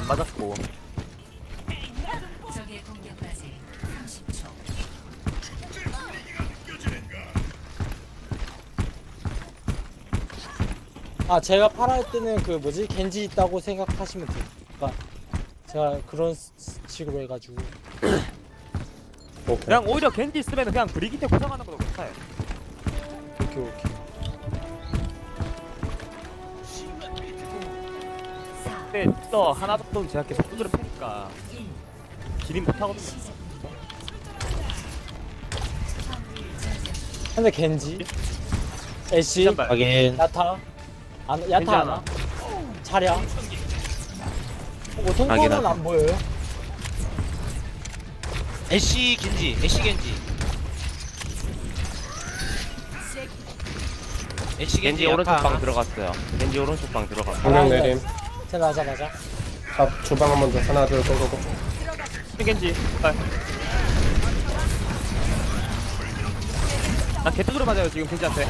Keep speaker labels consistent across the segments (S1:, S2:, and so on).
S1: 안 맞았고.
S2: 적의 공격까지 30초.
S3: 아 제가 팔아 할 때는 그 뭐지 겐지 있다고 생각하시면 돼요. 그러니까 제가 그런 식으로 해가지고
S4: 오케이.
S1: 그냥 오히려 겐지 있으면 그냥 브리기테 고정하는 것도 괜찮아요.
S3: 오케이 오케이.
S1: 근데 또 하나 정도는 제가 계속 두드려 패니까 기린 못하거든요.
S3: 근데 겐지, 애쉬,
S1: 한발.
S5: 확인.
S3: 야타, 야타
S1: 겐지 하나.
S3: 하나, 차량. 뭐
S5: 확인,
S3: 통과는
S5: 확인.
S3: 안 보여요?
S5: 애쉬 겐지. 애쉬 겐지. 애쉬
S6: 겐지 오른쪽 방 들어갔어요. 겐지 오른쪽 방 들어갔어.
S4: 방향 내림.
S3: 자 맞아 맞아.
S4: 앞 주방 한번 더. 하나 둘 고고고.
S1: 겐지. 빨. 나 개뚜드려 맞아요 지금 겐지한테.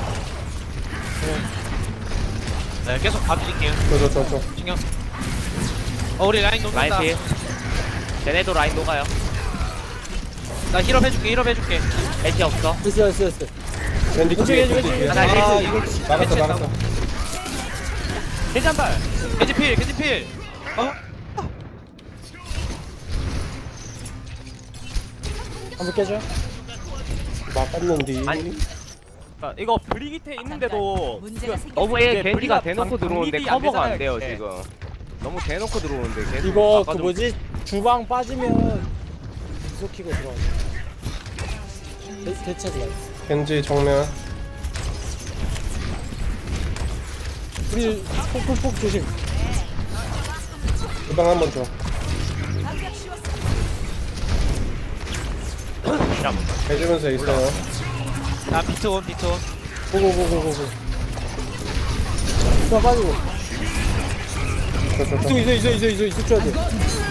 S5: 네, 계속 봐드릴게요.
S4: 저저.
S5: 신경. 우리 라인
S6: 라인
S5: 녹는다.
S6: 필. 쟤네도 라인 녹아요.
S5: 나 힐업 해줄게. 힐업 해줄게.
S6: 애쉬 없어.
S3: 있어.
S4: 겐지 뒤에
S3: 왼쪽에,
S4: 겐지 뒤에.
S6: 하나
S5: 아
S6: 힐.
S5: 이거
S4: 막았어.
S1: 겐지 한 발.
S5: 겐지 필. 겐지 필.
S3: 한번 깨줘.
S4: 막았는디.
S1: 아니. 그러니까 이거 브리기테 있는데도
S2: 문제가
S1: 그
S6: 너무
S1: 이게
S6: 겐지가
S1: 브리가
S6: 대놓고
S1: 방-
S6: 들어오는데
S1: 방립이 안
S6: 커버가 안
S1: 되잖아요,
S6: 돼요
S1: 이게.
S6: 지금. 너무 대놓고 들어오는데 계속
S3: 이거 그
S6: 막아주고
S3: 뭐지 주방 빠지면 계속 키고 들어가. 대체가 있어.
S4: 겐지 정면.
S3: 우리 폭 조심.
S4: 주방 한번 줘. 해주면서 있어요.
S5: 아 비트온.
S3: 고고고고고고. 주방 빠지고.
S4: 저.
S3: 있어 줘야 돼.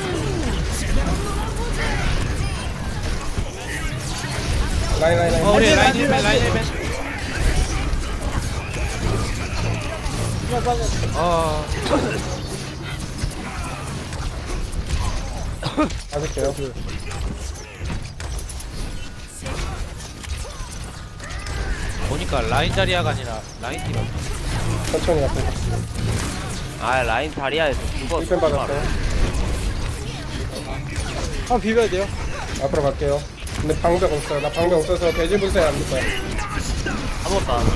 S4: 라인.
S5: 우리 라인 힐맨. 라인 힐맨.
S3: 주방 빠져.
S4: 맞을게요.
S5: 보니까 라인 자리아가 아니라 라인 딜.
S4: 천천히 앞에.
S6: 아 라인 다리아에서 죽어.
S4: 1펜 받았어요.
S3: 한번 비벼야 돼요.
S4: 앞으로 갈게요. 근데 방벽 없어요. 나 방벽 없어서 돼지 분쇄 안 될 거야.
S1: 아무것도 안 하고.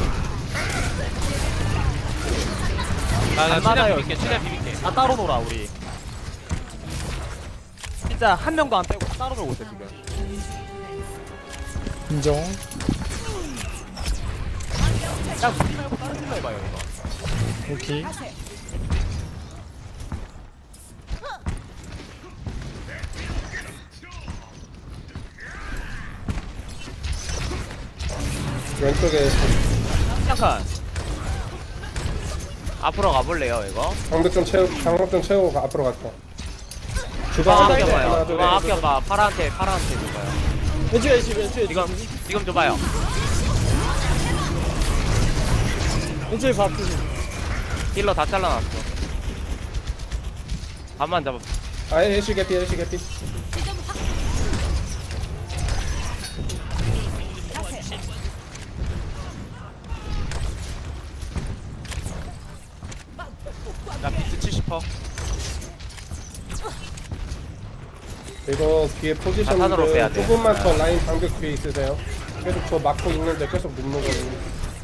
S5: 나
S1: 안 맞아요.
S5: 최대한 비빌게. 최대한 비빌게.
S1: 다 따로 놀아 우리. 진짜 한 명도 안 빼고 따로 놀고 있어 지금.
S3: 인정.
S1: 그냥 우리 말고 다른 팀 해봐요 이거.
S3: 오케이.
S4: 왼쪽에
S1: 약간
S6: 앞으로 가볼래요 이거?
S4: 방벽 좀 채우고 앞으로 갈게.
S6: 주방
S4: 하나
S6: 아껴봐요.
S4: 둘,
S6: 주방
S4: 셋.
S6: 아껴봐. 파란테 줘봐요.
S3: 왼쪽에
S6: 지금 줘봐요.
S3: 왼쪽에 밥 조심.
S6: 힐러 다 잘라놨어. 반만 잡아.
S4: 애쉬 개피.
S5: 나 비트 70%.
S4: 이거 뒤에
S6: 자탄으로 빼야
S4: 포지션들
S6: 돼.
S4: 조금만 더 라인 방벽 뒤에 있으세요. 계속 저 막고 있는데 계속 눕는 거거든요.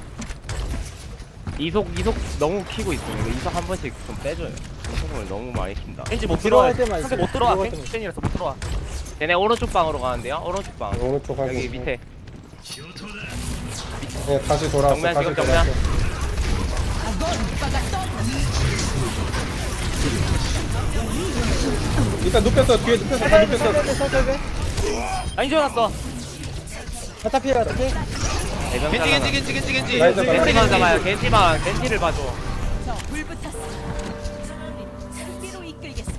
S6: 이속 너무 키고 있어. 이거 이속 한 번씩 좀 빼줘요. 이속을 너무 많이 킨다.
S1: 겐지 못
S3: 들어갈
S1: 들어와.
S3: 때만
S1: 상대
S3: 있어요.
S1: 못 들어와.
S3: 들어갈 때만
S1: 겐지라서 못 들어와.
S6: 쟤네 오른쪽 방으로 가는데요. 오른쪽 방.
S4: 오른쪽 하고
S6: 여기 밑에.
S4: 네, 다시 돌아왔어.
S6: 정면,
S4: 다시
S6: 지금
S4: 돌아왔어. 일단 눕혔어. 뒤에 눕혔어. 다 눕혔어.
S1: 라인 지어놨어.
S3: 야타 피해.
S6: 대변
S5: 겐지.
S4: 라인 잡아.
S6: 겐지만 잡아요. 겐지를 봐줘.
S2: 승리로 이끌겠습니다.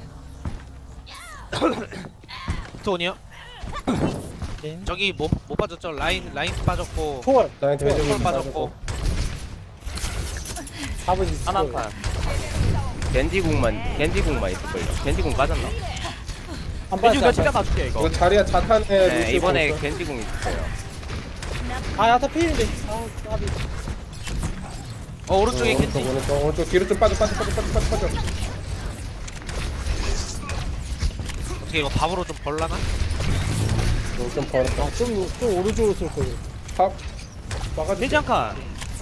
S5: 비트온이요? 저기 못 빠졌죠? 라인 빠졌고.
S3: 초월.
S4: 라인 돼지
S5: 콜
S4: 분쇄
S5: 빠졌고.
S3: 밥은 있어.
S1: 하나 판.
S6: 겐지궁만 있을걸요. 겐지궁 빠졌나?
S3: 안
S1: 겐지
S3: 빠졌어.
S1: 내가 맞게 이거.
S4: 이거 자리야 자탄에
S6: 네,
S4: 루시오
S6: 이번에
S4: 있어.
S6: 겐지궁 있어요.
S3: 아 야타 필인데. 아 까비.
S5: 오른쪽에 겐지.
S4: 오른쪽 뒤로 좀 빠져.
S5: 어떻게 이거 밥으로 좀 벌라나?
S4: 좀 벌었다.
S3: 좀 오른쪽으로 쏠 거예요.
S4: 탑 막아줘.
S1: 겐지 한 칸.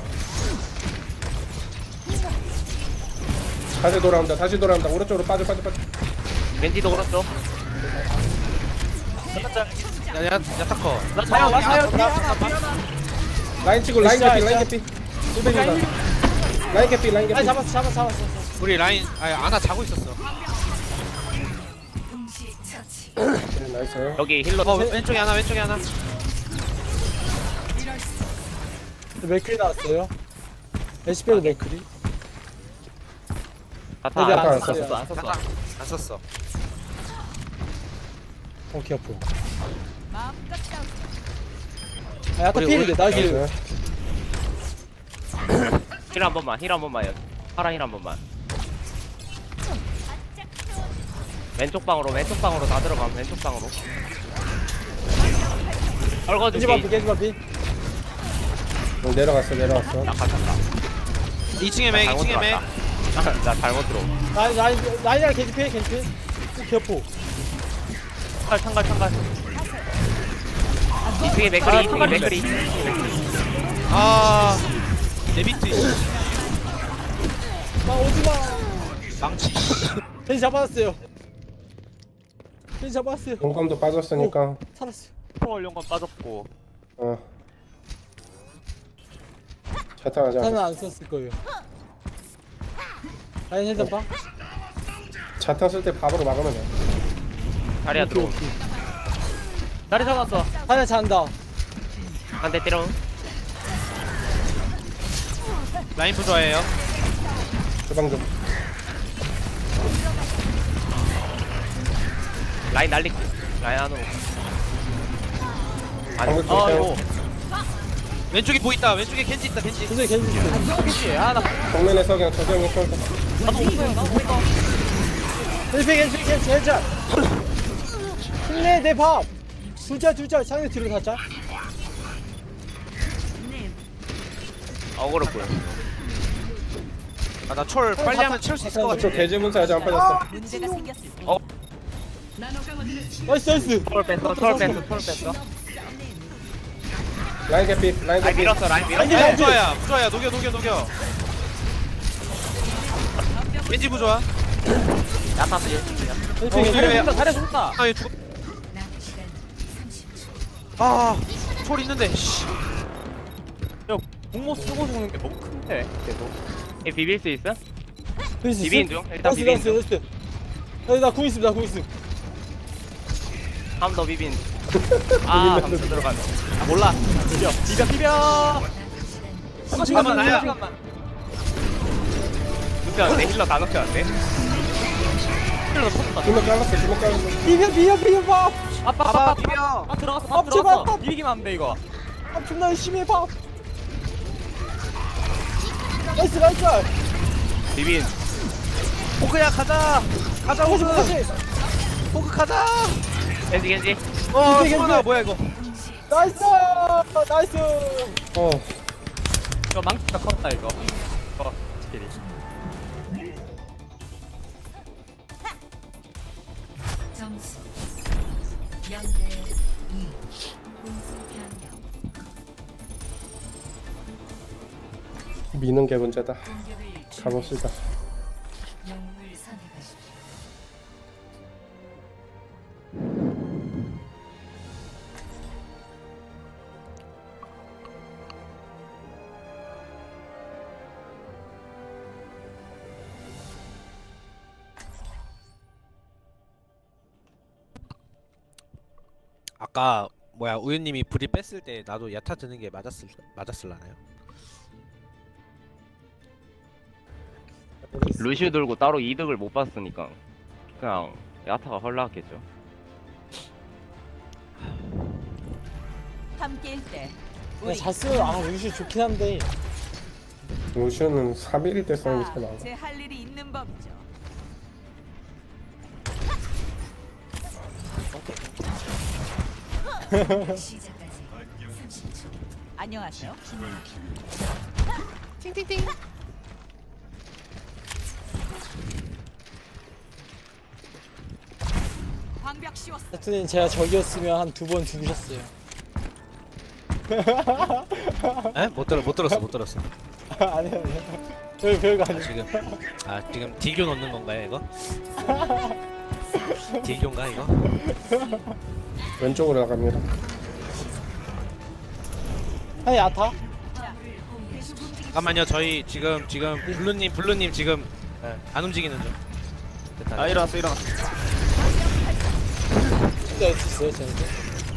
S4: 다시 돌아온다. 오른쪽으로 빠져.
S6: 겐지도 오른쪽.
S5: 야타커.
S1: 나 사요. 뒤에 하나.
S4: 라인 치고 라인 개피. 라인 개피.
S3: 아니 잡았어.
S5: 우리 라인 아나 자고 있었어.
S2: 동시 처치.
S4: 네, 나이스.
S6: 여기 힐러.
S5: 왼쪽에 하나.
S3: 맥클이 나왔어요. 에시페도 맥클이.
S6: 자탄.
S3: 근데
S4: 안
S3: 썼어요.
S1: 안 썼어.
S5: 안 썼어.
S3: 오케이 아프.
S2: 마음껏 싸우세요.
S3: 아 야타
S5: 우리
S3: 필인데 나이스.
S6: 힐 한 번만요. 파라 힐 한 번만. 왼쪽 방으로 다 들어가면 왼쪽 방으로.
S3: 겐지
S6: 헐거줄게.
S3: 바피.
S4: 내려갔어.
S6: 나 갇혔다.
S5: 2층에 맥.
S6: 나 잘못 들어.
S3: 라인이랑 겐지 필. 기어포.
S1: 창갈.
S6: 2층에 맥크리.
S5: 아 데비트.
S3: 나 오지마.
S5: 망치.
S3: 겐지 잡았어요.
S4: 공감도 빠졌으니까.
S3: 살았어.
S1: 프로 연관 빠졌고.
S4: 자탄 하자.
S3: 자탄은 안 썼을 거예요. 라인 핸드봐.
S4: 자탄 쓸 때 밥으로 막으면 돼.
S6: 자리야 들어.
S1: 다리 잡았어.
S3: 하나 잔다.
S6: 한 대 때려.
S5: 라인 부조해요.
S4: 주방 좀.
S6: 라인 날리고. 라인 안으로.
S4: 방금 좀
S1: 아이고.
S5: 왼쪽에 보인다. 왼쪽에 겐지 있다. 겐지.
S3: 겐지 있어.
S1: 겐지. 나
S4: 정면에서 그냥 저정이 쏠 거.
S1: 나도 없어요.
S3: 겐지 헬자. 힘내 내 밥. 둘자 상대 뒤로 살짝.
S6: 어그로 보여.
S5: 나 철 빨리 하면 채울 수 있을 것
S4: 저
S5: 같은데.
S4: 돼지 문서 아직 안 빠졌어.
S2: 문제가 생겼을 때
S3: 나이스.
S1: 털 뺐어.
S4: 라인 개피.
S6: 라인 밀었어.
S5: 라인 부조야. 녹여. 겐지 부조야.
S6: 야타 쓰
S1: 다리 줬다.
S5: 아, 얘 죽.
S2: 남은 시간 30초.
S5: 아, 철 있는데. 씨.
S1: 야, 공모 쓰고 죽는 게 너무 큰데. 계속.
S6: 얘 비빌 수 있어?
S3: 나이스.
S6: 비빈 중. 일단 비빈 중.
S3: 나이스. 나궁 있습니다.
S6: 한 번 더 비빈. 아, 잠수 들어가네.
S1: 아, 몰라. 비벼.
S5: 잠깐만, 나야.
S6: 눕혔는데 힐러 다 눕혔는데.
S1: 힐러 터졌다.
S4: 주먹 잘랐어.
S3: 비벼 밥.
S1: 아빠
S5: 비벼.
S1: 들어갔어.
S3: 밥
S1: 들어갔어.
S3: 제발.
S1: 비비기만 하면 돼 이거.
S3: 밥 존나 열심히 해 밥. 나이스.
S6: 비빈.
S5: 포크야 가자. 가자 호주.
S3: 다시.
S5: 포크 가자.
S6: 겐지.
S5: 소나 뭐야 이거?
S3: 나이스.
S1: 이거 망치가 컸다 이거. 스킬이.
S2: 점수 0대 2. 공수 변경.
S4: 미는 게 문제다.
S2: 공격을
S4: 가봅시다.
S2: 영웅을 선택하십시오.
S5: 아까 뭐야 우유님이 불이 뺐을 때 나도 야타 드는 게 맞았을라나요?
S6: 루시우 들고 따로 이득을 못 봤으니까 그냥 야타가 헐나왔겠죠.
S2: 함께일 때
S3: 잘 쓰면 역시 좋긴 한데.
S4: 루시오는 3일일 때 쓰는 게 제일 나아.
S2: 제할 일이 있는 법이죠. 시작까지 30초.
S7: 안녕하세요. 방벽 씌웠어.
S3: 하여튼 제가 적이었으면 한 2번 죽으셨어요.
S5: 에? 못 들었어.
S3: 아니요. 별거 아니에요.
S5: 지금 딜교 넣는 건가요 이거? 딜교인가 이거?
S4: 왼쪽으로 나갑니다.
S3: 아니 야타?
S5: 잠깐만요 저희 지금 블루님 지금 안 움직이는 중. 됐다.
S1: 아 일어났어.
S3: 진짜 어디 있어요 쟤네들?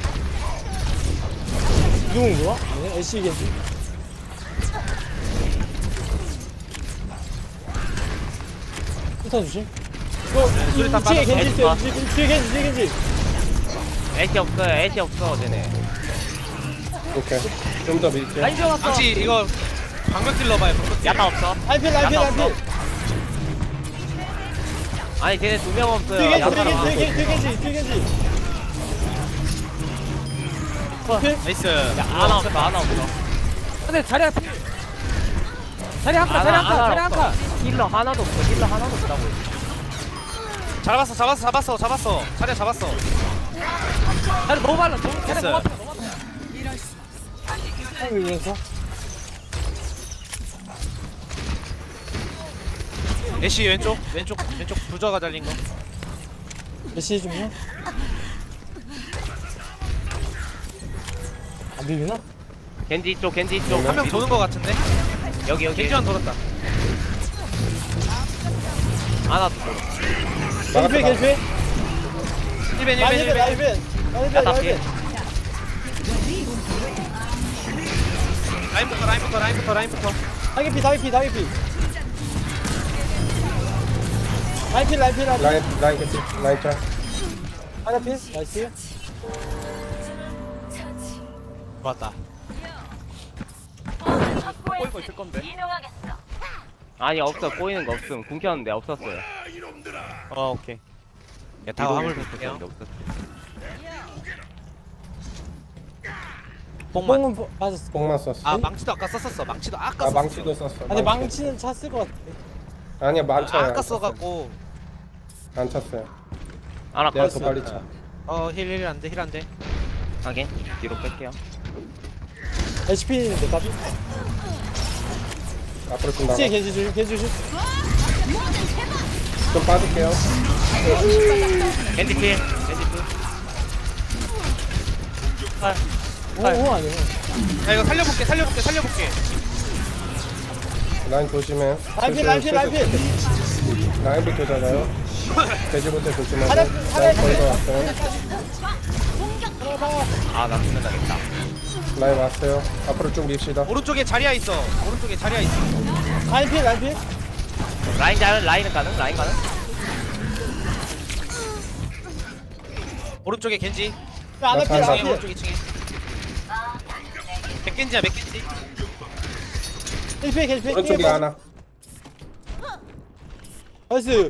S3: 누군 거야? 아니 애쉬겠지? 일단 조심. 이거
S1: 수리탄
S3: 뒤에
S1: 빠졌어.
S3: 겐지 있어요. 뒤에 겐지.
S6: 애쉬 없어요. 애쉬 없어 쟤네.
S4: 오케이. 좀 더 밀게요.
S1: 라인 지어놨어.
S5: 방치 이거 방벽 딜러봐요. 방벽 딜러.
S6: 야타 없어.
S3: 라이필.
S6: 아니 쟤네 2명 없어요.
S3: 뒤에
S6: 야타랑
S3: 겐지.
S5: 나이스.
S6: 하나 없어.
S1: 근데 자리 한 칸.
S6: 힐러 하나도 없다고.
S5: 잡았어. 자리야 잡았어.
S1: 자리 너무 빨라.
S5: 됐어요.
S3: 하면서
S5: 애쉬 왼쪽 부저가 달린 거.
S3: 애쉬 좀요. 안 비비나?
S6: 겐지 이쪽.
S5: 한 명 도는 거 같은데?
S6: 여기.
S5: 겐지만 돌았다.
S6: 하나 더.
S3: 겐지.
S5: 1벤.
S6: 야타 피해.
S5: 라인부터.
S3: 다이피. 라이필.
S4: 라인 캐치. 라인 짤.
S3: 다이피. 나이스.
S5: 좋았다.
S1: 꼬이고 있을 건데.
S6: 아니 없어. 꼬이는 거 없음. 궁 켰는데 없었어요.
S1: 오케이.
S5: 다 화물
S6: 궁
S5: 볼게요.
S6: 켰는데 없었어.
S5: 뽕만.
S3: 뽕은 빠졌어.
S4: 뽕만 썼어.
S5: 아 망치도 아까 썼었어. 망치도 아까
S4: 아
S5: 썼어.
S4: 망치도 썼어.
S3: 아니 망치는 찼을 것 같아.
S4: 아니야 많잖아.
S5: 아까 써갖고.
S4: 안 찼어요.
S6: 하나
S4: 내가
S6: 컷.
S4: 더 빨리 차.
S5: 힐 안돼.
S6: 하긴 뒤로 뺄게요.
S3: HP인데 까비.
S4: 앞으로 좀 나가.
S3: 뒤에 겐지 조심.
S4: 좀 빠질게요.
S6: 겐지 필.
S3: 오 아니야.
S5: 야 이거 살려볼게.
S4: 라인 조심해.
S3: 라이필.
S4: 라인부터 잡아요. 돼지부터 조심하고.
S3: 하나,
S4: 라인 거의 다 왔어요.
S6: 아나 죽는다겠다.
S4: 라인 왔어요. 앞으로 쭉 밉시다.
S5: 오른쪽에 자리야 있어.
S3: 라이필.
S6: 라인은 가능?
S5: 오른쪽에 겐지.
S3: 아나필.
S4: 나
S5: 층에 오른쪽 2층에. 맥겐지야.
S3: 겐지.
S4: 오른쪽에 하나.
S3: 나이스.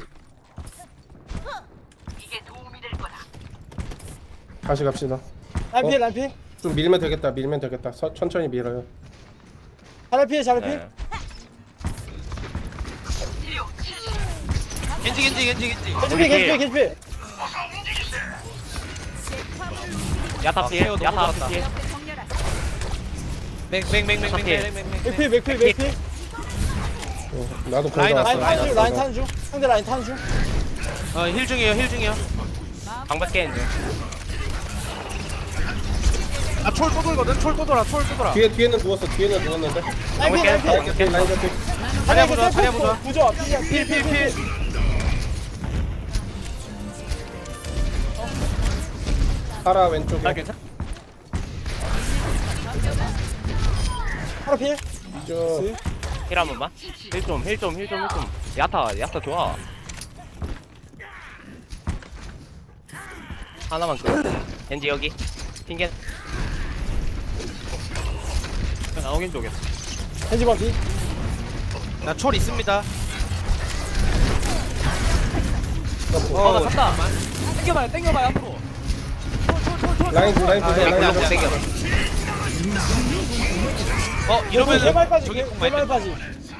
S4: 다시 갑시다.
S3: 라이필.
S4: 좀 밀면 되겠다. 천천히 밀어요.
S3: 자라필.
S6: 네.
S5: 겐지.
S6: 야타 피해.
S5: 너무
S6: 야타
S5: 좋았다.
S6: 피해.
S5: 맥.
S4: 나도 거의 다
S5: 라인
S4: 왔어.
S3: 라인 타는 중. 상대 라인 타는 중.
S5: 힐 중이에요.
S6: 방백 깨는 중.
S5: 아철 또 돌거든.
S4: 뒤에는 누웠는데.
S3: 라이필.
S4: 라인 잡히.
S5: 자리야 보자.
S3: 부조.
S5: 필.
S4: 파라 왼쪽에.
S1: 괜찮아.
S3: 하라필.
S4: 저
S6: 힐 한 번만. 힐 좀. 야타 좋아. 하나만 끄. 겐지 여기. 핑겐.
S1: 나오긴 쪽에.
S3: 겐지 바피.
S5: 나철 있습니다.
S1: 나 샀다. 땡겨봐요 앞으로.
S4: 라인 보자
S6: 못
S4: 라인 보자.
S6: 땡겨.
S5: 이러면은
S3: 개발까지
S5: 저기 공 많이
S3: 개발까지.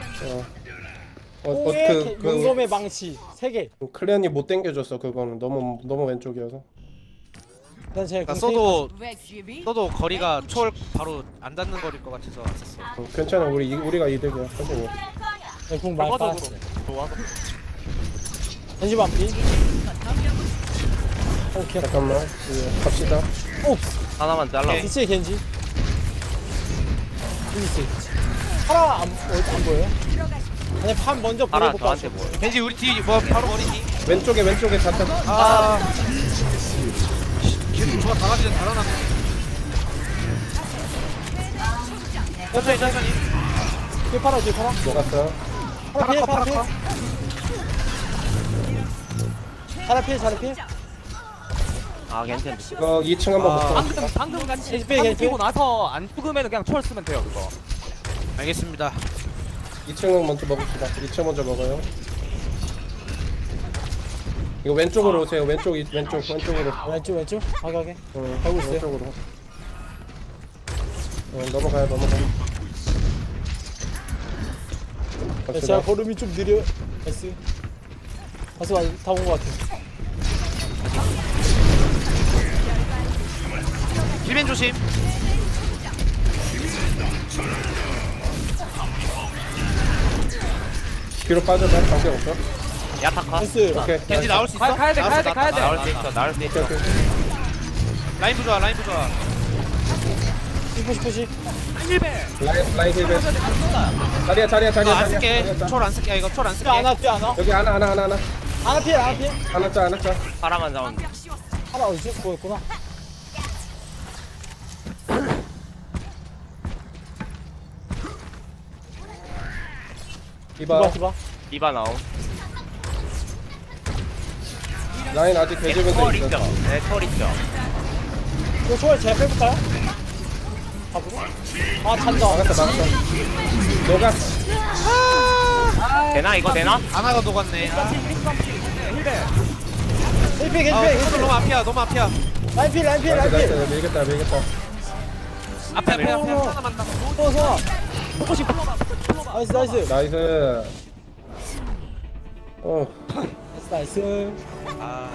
S3: 홍의
S4: 그
S3: 용검의 망치 3개.
S4: 클레언이 못 당겨줬어. 그거는 너무 왼쪽이어서.
S3: 일단 제가
S5: 그러니까 써도
S7: 렉시비
S5: 거리가 초월 바로 안 닿는 거리일 것 같아서 왔었어.
S4: 괜찮아. 우리가 이득이야. 선생님.
S3: 궁 많이
S1: 결과적으로
S3: 빠졌어.
S1: 좋아서
S3: 겐지 반피. 오케이.
S4: 잠깐만. 이제 갑시다.
S6: 하나만 잘라.
S3: 뒤치에 겐지. 뒤치. 파라 안 보여요? 아니 판 먼저
S6: 파라
S3: 보여볼까?
S6: 저한테 뭐.
S5: 겐지 우리 뒤 바로 머리 뒤.
S4: 왼쪽에 자탄.
S5: 저거 다 같이 달아놨네. 천천히.
S3: 뒤에 파라 뒤에 파라.
S4: 녹았어.
S3: 파라 피해 파라 피해. 파라 피해.
S6: 아 괜찮네.
S4: 이거 2층 한번 볼까?
S1: 방금 같이
S3: 겐지
S1: 방금
S3: 겐지.
S1: 뛰고 나서 안 죽으면 그냥 초월 쓰면 돼요 그거.
S5: 알겠습니다.
S4: 2층은 먼저 먹읍시다. 2층 먼저 먹어요. 이거 왼쪽으로 오세요. 왼쪽으로.
S3: 왼쪽 가게.
S4: 하고 있어요. 왼쪽으로. 넘어가요.
S3: 제가 걸음이 좀 느려. S. 다 온 것 같아.
S5: 힐맨 조심.
S4: 뒤로 빠져봐. 관계 없어.
S6: 야타카.
S3: S.
S4: 오케이.
S5: 겐지 나올 수 있어?
S1: 가야 돼.
S6: 나올 수 있어. 나올 수 있어.
S4: 오케이.
S5: 라인 부좋아.
S3: 푸시.
S4: 라인 힐베. 자리야.
S5: 안 쓸게. 초월 안 쓸게. 이거 초월 안 쓸게.
S3: 뛰어 안 와.
S4: 여기 하나.
S3: 하나 피해.
S4: 하나 짜.
S6: 파라만 잡으면.
S3: 하나 어디지? 보였구나.
S4: 이봐.
S3: 디바.
S6: 디바 나옴.
S4: 라인 아직 대지분
S6: 초월
S4: 돼
S6: 있죠.
S4: 있어.
S6: 네, 초월 있죠.
S3: 이거 초월 제가 빼볼까요? 잡으러? 찬다.
S4: 막았어. 녹았어.
S6: 되나 이거 되나?
S5: 아나가 녹았네.
S3: 힐피
S5: 손들 너무 앞이야.
S3: 라인
S4: 나이스. 밀겠다.
S5: 앞에 하나만 나.
S3: 소아. 나이스.
S4: 나이스.
S3: 나이스.
S5: 아.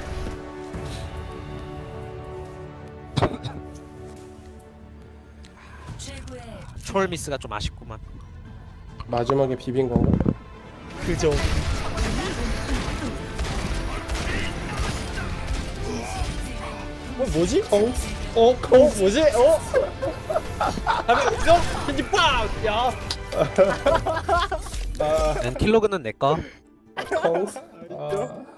S2: 최고의
S5: 초월 미스가 좀 아쉽구만.
S4: 마지막에 비빈 건가?
S3: 그죠. 뭐지? 뭐지? 다음에 그죠? 겐지 빵! 야.
S5: 킬로그는 내 거.
S4: 콩.